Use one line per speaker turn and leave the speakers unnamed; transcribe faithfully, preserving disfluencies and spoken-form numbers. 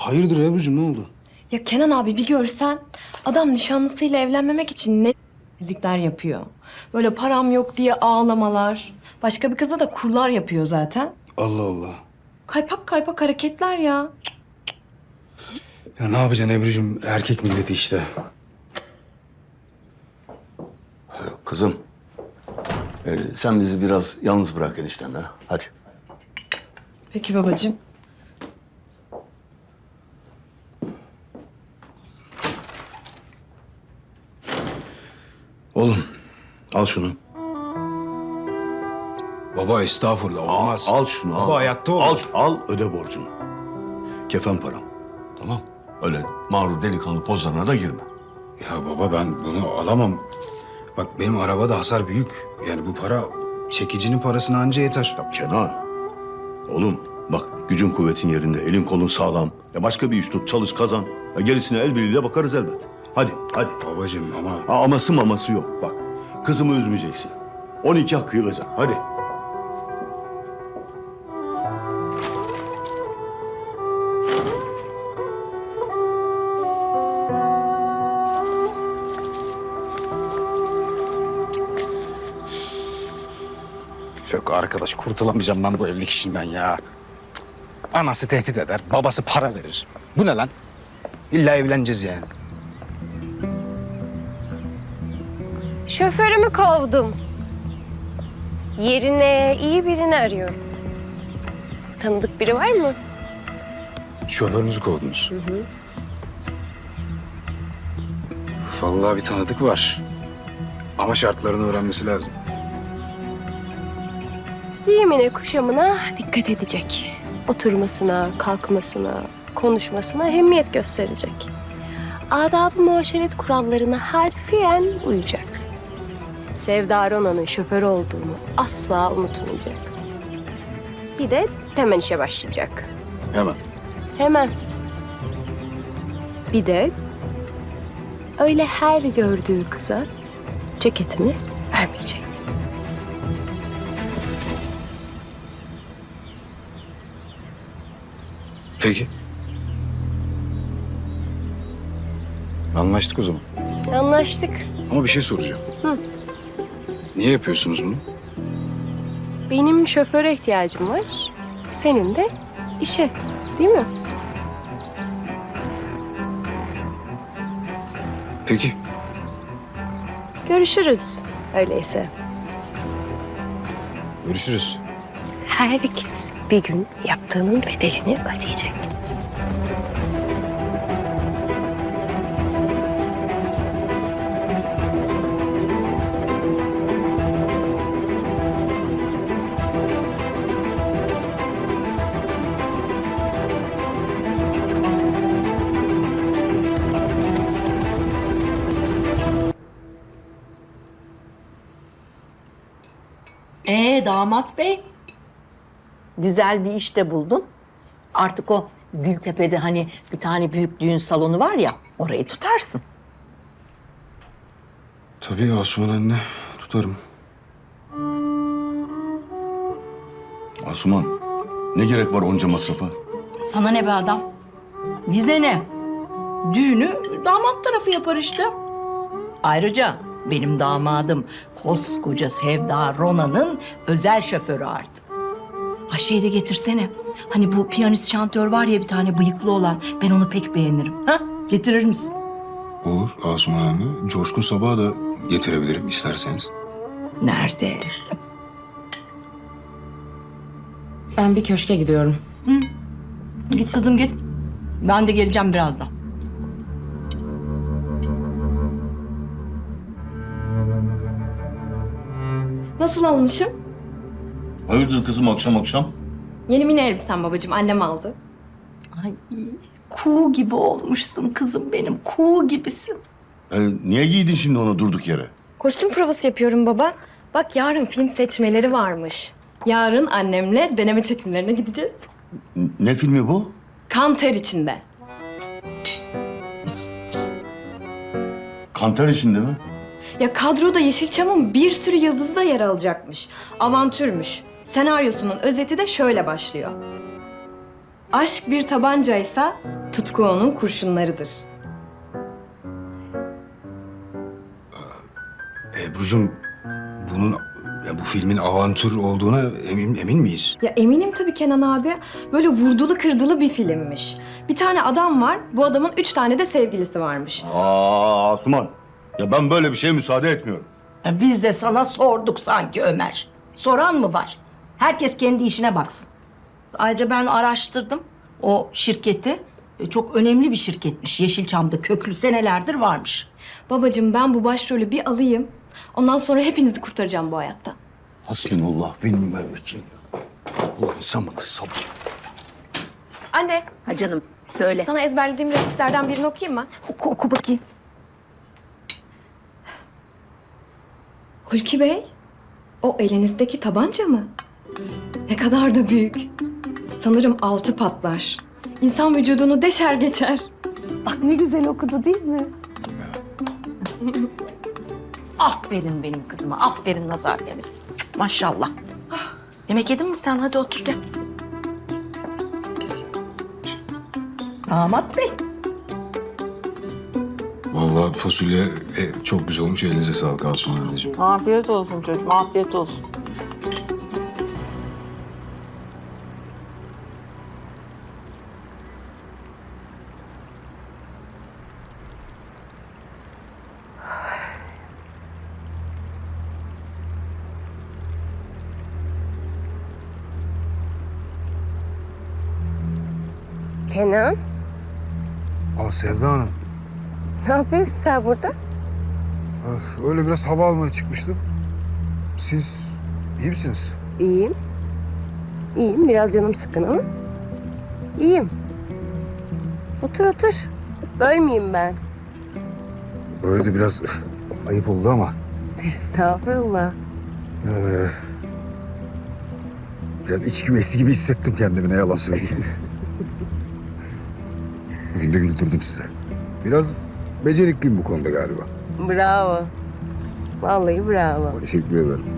Hayırdır Ebru'cum, ne oldu?
Ya Kenan abi bir görsen adam nişanlısıyla evlenmemek için ne zikler yapıyor. Böyle param yok diye ağlamalar. Başka bir kıza da kurlar yapıyor zaten.
Allah Allah.
Kaypak kaypak hareketler ya.
Ya ne yapacaksın Ebru'cum? Erkek milleti işte.
Kızım, e, sen bizi biraz yalnız bırak eniştenle. Hadi.
Peki babacığım.
Oğlum, al şunu.
Baba estağfurullah, olmaz.
Al şunu.
Baba
al.
hayatta
al,
olmaz.
al, öde borcunu. Kefen param. Tamam. Öyle mağrur delikanlı pozlarına da girme.
Ya baba ben bunu alamam. Bak benim arabada hasar büyük. Yani bu para çekicinin parasına anca yeter.
Ya Kenan, oğlum bak gücün kuvvetin yerinde, elin kolun sağlam. Ya başka bir iş tut, çalış, kazan. Ya gerisine el birliğiyle bakarız elbet. Hadi, hadi.
Babacığım ama...
Ha, aması maması yok bak. Kızımı üzmeyeceksin. On iki hak kıyılacak. Hadi.
Yok arkadaş, kurtulamayacağım ben bu evlilik işinden ya. Anası tehdit eder, babası para verir. Bu ne lan? İlla evleneceğiz yani.
Şoförümü kovdum. Yerine iyi birini arıyorum. Tanıdık biri var mı?
Şoförünüzü kovdunuz. Hı hı. Vallahi bir tanıdık var. Ama şartlarını öğrenmesi lazım.
Giyimine, kuşamına dikkat edecek. Oturmasına, kalkmasına, konuşmasına ehemmiyet gösterecek. Adab-ı muaşeret kurallarına harfiyen uyacak. Sevda Rona'nın şoförü olduğunu asla unutmayacak. Bir de hemen işe başlayacak.
Hemen.
Hemen. Bir de öyle her gördüğü kıza ceketini vermeyecek.
Peki. Anlaştık o zaman.
Anlaştık.
Ama bir şey soracağım.
Hı.
Niye yapıyorsunuz bunu?
Benim şoföre ihtiyacım var. Senin de işe, değil mi?
Peki.
Görüşürüz öyleyse.
Görüşürüz.
Herkes bir gün yaptığının bedelini ödeyecek.
Ee damat bey, güzel bir iş de buldun. Artık o Gültepe'de hani bir tane büyük düğün salonu var ya, orayı tutarsın.
Tabii Asuman anne, tutarım.
Asuman, ne gerek var onca masrafa?
Sana ne be adam? Bize ne? Düğünü damat tarafı yapar işte. Ayrıca benim damadım koskoca Sevda Rona'nın özel şoförü artık. Ha şey de getirsene. Hani bu piyanist şantör var ya bir tane bıyıklı olan. Ben onu pek beğenirim. Ha? Getirir misin?
Olur Asuman anne. Coşkun Sabah'ı da getirebilirim isterseniz.
Nerede?
Ben bir köşke gidiyorum.
Git kızım git. Ben de geleceğim birazdan.
Nasıl olmuşum?
Hayırdır kızım akşam akşam?
Yeni mini elbisem babacığım. Annem aldı.
Ay kuğu gibi olmuşsun kızım benim. Kuğu gibisin.
E, niye giydin şimdi onu durduk yere?
Kostüm provası yapıyorum baba. Bak yarın film seçmeleri varmış. Yarın annemle deneme çekimlerine gideceğiz.
N- ne filmi bu?
Kan ter içinde.
Kantar içinde mi?
Ya kadroda Yeşilçam'ın bir sürü yıldızı da yer alacakmış. Avantürmüş. Senaryosunun özeti de şöyle başlıyor. Aşk bir tabancaysa tutku onun kurşunlarıdır.
Ebru'cum bunun ya bu filmin avantür olduğuna emin, emin miyiz?
Ya eminim tabii Kenan abi. Böyle vurdulu kırdılı bir filmmiş. Bir tane adam var, bu adamın üç tane de sevgilisi varmış.
Aa Asuman. Ya ben böyle bir şeye müsaade etmiyorum.
Ya biz de sana sorduk sanki Ömer. Soran mı var? Herkes kendi işine baksın. Ayrıca ben araştırdım o şirketi. E, Çok önemli bir şirketmiş. Yeşilçam'da köklü senelerdir varmış.
Babacığım ben bu başrolü bir alayım. Ondan sonra hepinizi kurtaracağım bu hayatta.
Hasbinallah ve nimel vekil. Allah'ım sen bana sabır.
Anne,
Ha canım söyle.
sana ezberlediğim repliklerden birini okuyayım mı?
Oku, oku bakayım.
Hulki Bey, o elinizdeki tabanca mı? Ne kadar da büyük. Sanırım altı patlar. İnsan vücudunu deşer geçer.
Bak ne güzel okudu değil mi? Aferin benim kızıma. Aferin nazar değmesin. Maşallah. Yemek yedin mi sen? Hadi otur gel. Damat Bey.
Vallahi fasulye e, çok güzel olmuş. Elinize sağlık Asuman anneciğim.
Afiyet olsun çocuğum, afiyet olsun.
Kenan,
Aa Sevda Hanım.
ne yapıyorsun sen burada?
Öf, öyle biraz hava almaya çıkmıştım. Siz iyi misiniz?
İyiyim. İyiyim, biraz canım sıkkın ama. İyiyim. Otur otur. Bölmeyeyim ben.
Böyle de biraz ayıp oldu ama.
Estağfurullah.
Ee, biraz iç güveysi gibi hissettim kendimi, ne yalan söyleyeyim. Bugün de güldürdüm sizi. Biraz becerikliyim bu konuda galiba.
Bravo. Vallahi bravo.
Teşekkür ederim.